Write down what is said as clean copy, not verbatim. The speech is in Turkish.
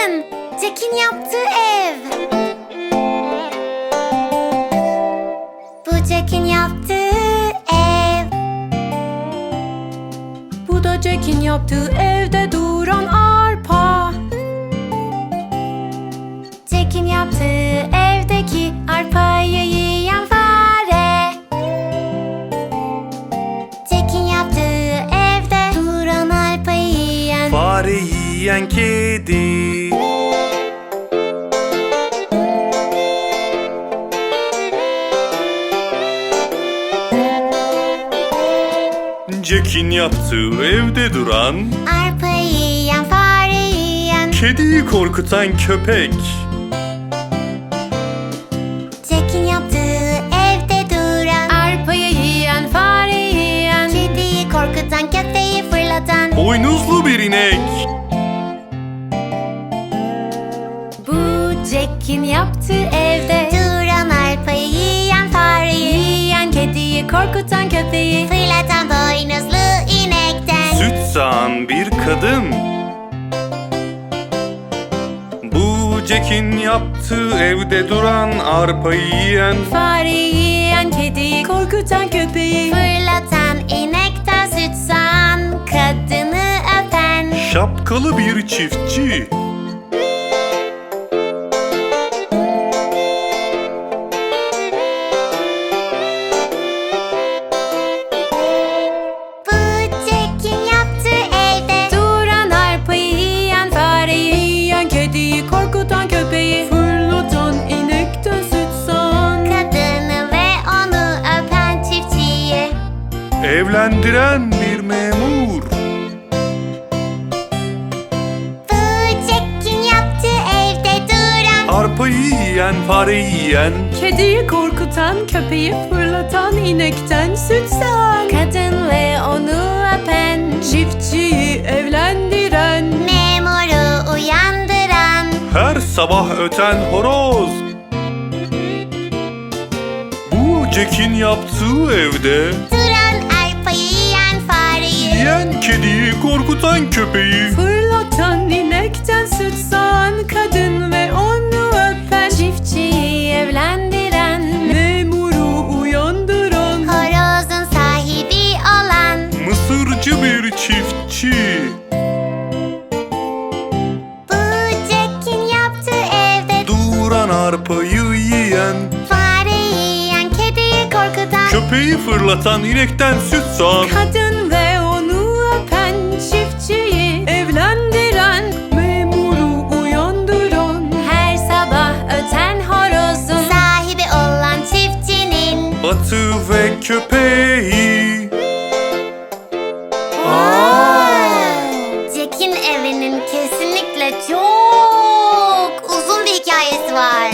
bakın. Jack'in yaptığı ev. Bu Jack'in yaptığı ev. Bu da Jack'in yaptığı evde duran arpa. Jack'in yaptığı evdeki arpayı yiyen fare. Jack'in yaptığı evde duran arpayı yiyen Fare yiyen kedi. Jack'in yaptığı evde duran, arpayı yiyen fare yiyen kediyi korkutan köpek. Jack'in yaptığı evde duran Arpayı yiyen, fare yiyen, kediyi korkutan köpeği fırlatan Boynuzlu bir inek. bu Jack'in yaptığı evde duran arpayı yiyen fareyi yiyen, kediyi korkutan köpeği. fırlatan boynuzlu inekten Süt sağan bir kadın. Bu Jack'in yaptığı evde duran, arpayı yiyen, Fare yiyen, kediyi korkutan köpeği. fırlatan inekten süt sağan kadını öpen şapkalı bir çiftçi. bu Jack'in yaptığı evde Duran arpayı yiyen, fareyi yiyen, kediyi korkutan köpeği. Fırlatan inekten süt sağan kadını ve onu öpen çiftçiyi Evlendiren bir memur. bu Jack'in yaptığı evde duran Arpayı yiyen, fareyi yiyen, kediyi korkutan köpeği. Fırlatan inekten süt sağan kadın ve onu öpen çiftçiyi evlendiren memuru uyandıran her sabah öten horoz. Bu Jack'in yaptığı evde duran arpayı yiyen fareyi yiyen, kediyi korkutan köpeği. fırlatan inekten süt sağan kadın ve onu öpen çiftçiyi evlendiren memuru uyandıran horozun sahibi olan Mısırcı bir çiftçi. bu Jack'in yaptığı evde Duran arpayı yiyen, fare yiyen kediyi korkutan köpeği fırlatan inekten süt sağan kadın ve onu öpen çiftçiyi evlendiren memuru uyandıran her sabah öten horozun sahibi olan çiftçinin atı ve köpeği. Jack'in evinin kesinlikle çok uzun bir hikayesi var.